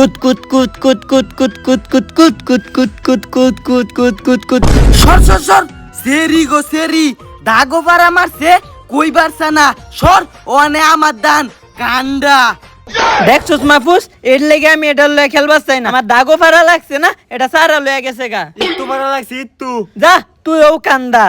কুত কুত কুত কুত কুত কুত কুত কুত কুত কুত কুত কুত কুত কুত কুত কুত কুত সর সর সর সেরি গো সেরি দাগো পারা মারছে কই বারছা না সর ওনে আমার দান কান্ডা দেখছস মাহফুজ এর লেগে আমি এটা লয়ে খেলবার চাই না আমার দাগো ফারা লাগছে না এটা সারা লয়ে গেছে গা একটু ভালো লাগছে একটু যা তুইও কান্দা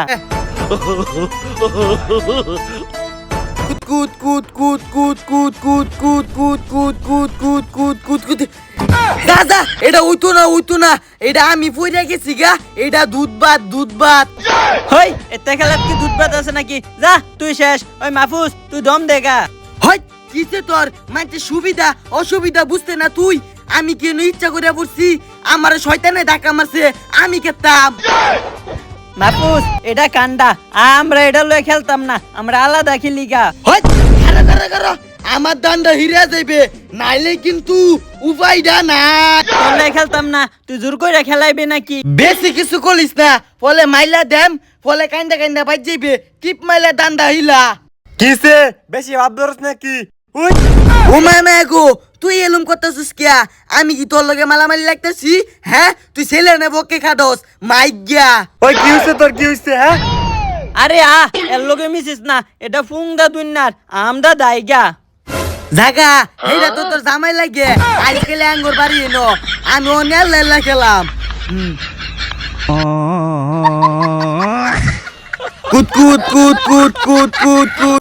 কুত কুত কুত কুত কুত কুত কুত কুত কুত কুত কুত কুত কুত কুত যা যা এটা উইতো না এটা আমি পইরা গেছি গা এটা দুধ ভাত হই এতে খেলাত কি দুধ ভাত আছে নাকি যা তুই শেষ ওই মাহফুজ তুই দম দেগা হয় কিসে তোর মানে সুবিধা অসুবিধা বুঝতে না তুই আমি কেন ইচ্ছা করে পড়ছি আমার শয়তানে ধাক্কা মারছে আমি খেতাম মাহফুজ এটা কান্দা আমরা এটা লয়ে খেলতাম না আমরা আলাদা খেলি গা হয় কারা আমার দান্ডা হিরা যাইবে নাইলে কিন্তু উপায়টা না তোর লয়ে খেলতাম না তুই জোর কইরা খেলাইবে নাকি বেশি কিছু করিস না ফলে মাইলা দেম ফলে কান্দা বাজ যাইবে টিপ মাইলা দান্ডা হিলা কিসে বেশি ভাব ধরছ নাকি ও মামা গো তুই এলুম করতেছিস কিয়া আমি কি তোর লগে মালামালি লাগতেছি হ্যাঁ তুই ছেলে নে বকে খাদস মাইগা ওই কি হইছে তোর কি হইছে হ্যাঁ আরে এর লগে মিছিস না এটা ফুংদা দুনিয়ার আমদা দাইগা জাগা এইটা তো তোর জামাই লাগে আজকাল আঙ্গুর বাড়ি এনো আমি অনেক লেলা খেলাম কুত কুত কুত কুত কুত কুত কুত